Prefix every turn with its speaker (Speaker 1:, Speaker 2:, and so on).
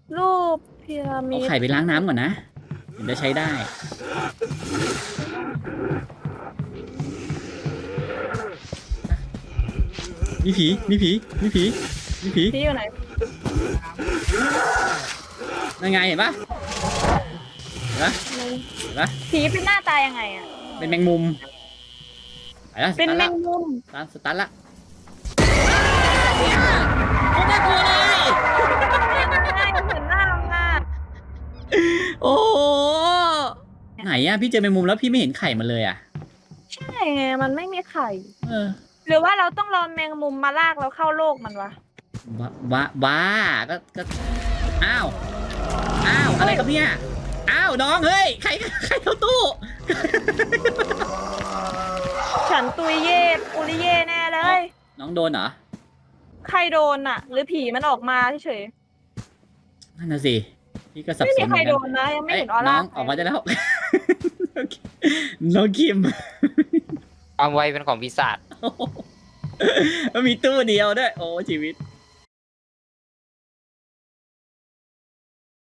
Speaker 1: รูปพีระมิ
Speaker 2: เอา
Speaker 1: ด
Speaker 2: ไข่ไปล้างน้ำก่อนนะถึงจะใช้ได้มีผีมีผีมีผีมีผี
Speaker 1: พี่อยู่ไหน
Speaker 2: ยังไงเห็นปะเห็นปะเห็นปะ
Speaker 1: ผีเป็นหน้าตายังไงอ่ะ
Speaker 2: เป็นแมงมุมไปละส
Speaker 1: เป็น
Speaker 2: ตาร์ทละ
Speaker 1: แมงมุม
Speaker 2: สตาร์ทละโคตรน่ากลัวเลย
Speaker 1: ใช่เหมือนหน้าเราอ่ะ
Speaker 2: โอ้โหไหนอะพี่เจอแมงมุมแล้วพี่ไม่เห็นไข่มันเลยอะ
Speaker 1: ใช่ไงมันไม่มีไข่
Speaker 2: เออ
Speaker 1: หรือว่าเราต้องรอแมงมุมมาลากเราเข้าโลกมันวะ
Speaker 2: บ้าก็อ้าวอ้าวอะไรครับเนี่ยอ้าวน้องเฮ้ยใครเข้าตู้
Speaker 1: ฉันตุยเย่ปุริเย่แน่เลย
Speaker 2: น้องโดนเหรอ
Speaker 1: ใครโดนอ่ะ หรือผีมันออกมาเฉย
Speaker 2: นั่นน่ะสิพี่ก็
Speaker 1: ๆ
Speaker 2: สับ
Speaker 1: ไม่มีใคร
Speaker 2: สนเหมือนกัน
Speaker 1: โดนนะยังไม่
Speaker 2: เอ้ย
Speaker 1: เห็นออ
Speaker 2: น้
Speaker 1: ร่า
Speaker 2: องออกมาได้แล้ว น้องคิม
Speaker 3: ความไวเป็นของปีศาจ
Speaker 2: มันมีตู้เดียวด้วยโอ้ชีวิต